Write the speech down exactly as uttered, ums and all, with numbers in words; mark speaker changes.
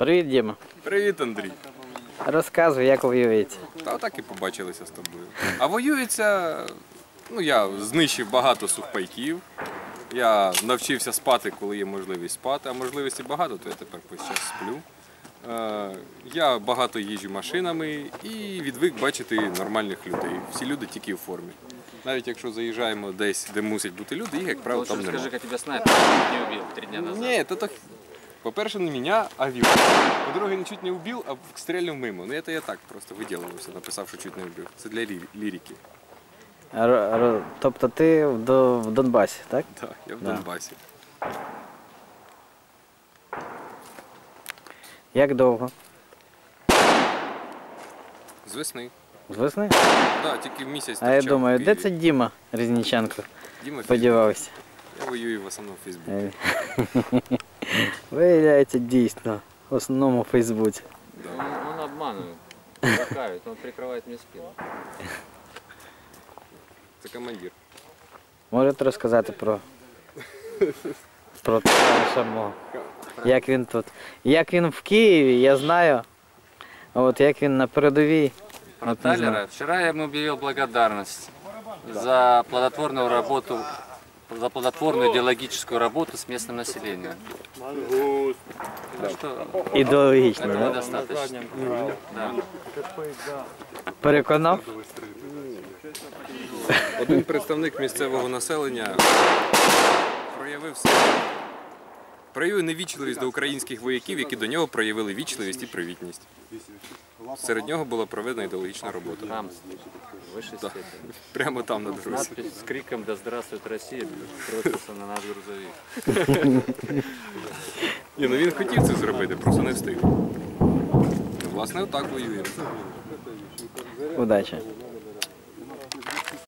Speaker 1: Привіт, Діма.
Speaker 2: Привіт, Андрій.
Speaker 1: Розказуй, як воюється.
Speaker 2: Та отак і побачилися з тобою. А воюється, ну я знищив багато сухпайків. Я навчився спати, коли є можливість спати, а можливості багато, то я тепер весь час сплю. Е, Я багато їжджу машинами і відвик бачити нормальних людей. Всі люди тільки в формі. Навіть якщо заїжджаємо десь, де мусять бути люди, їх, як правило, там немає.
Speaker 3: Скажи, як тебе снайпер не вбив три дня назад.
Speaker 2: Ні, то так. По-перше, не мене, а вів. По-друге, не чуть не вбив, а стрельнув мимо. Ну, це я так просто виділився, написав, що чуть не вбив. Це для лі- лірики.
Speaker 1: Р- р- Тобто ти в, До- в Донбасі, так?
Speaker 2: Так, я в
Speaker 1: Да.
Speaker 2: Донбасі.
Speaker 1: Як довго?
Speaker 2: З весни.
Speaker 1: З весни?
Speaker 2: Так, тільки в місяць
Speaker 1: А я
Speaker 2: торчав
Speaker 1: думаю,
Speaker 2: в
Speaker 1: де
Speaker 2: Києві.
Speaker 1: це Діма Різніченко
Speaker 2: Діма Фізик.
Speaker 1: подівався?
Speaker 2: Я воюю в основному в Фейсбуці.
Speaker 1: Е. Виявляється, дійсно, в основному у Фейсбуці.
Speaker 3: Он, он обманывает, лукавит, он прикрывает мне спину.
Speaker 2: Це командир.
Speaker 1: Можете розказати про, про самого? Як він тут? Як він в Києві, я знаю. А от як він на передовій?
Speaker 3: Про
Speaker 1: От не знаю.
Speaker 3: Талера. Вчера я ему объявил благодарность за плодотворную работу, за плодотворную идеологическую работу с местным населением. Так что
Speaker 1: Ідеологічно,
Speaker 3: этого
Speaker 1: да?
Speaker 3: достаточно. Да.
Speaker 1: Переконав?
Speaker 2: Один представник місцевого населення проявив себе. Проявив невічливість до українських вояків, які до нього проявили вічливість і привітність. Серед нього була проведена ідеологічна робота.
Speaker 3: Там, в высшей
Speaker 2: Так.
Speaker 3: степени.
Speaker 2: Прямо там на дорозі.
Speaker 3: Надпись с криком «Да здравствует Россия» бросился на наш грузовик.
Speaker 2: Ні, ну він хотів це зробити, просто не встиг. Ну, власне, отак воюємо.
Speaker 1: Удачі.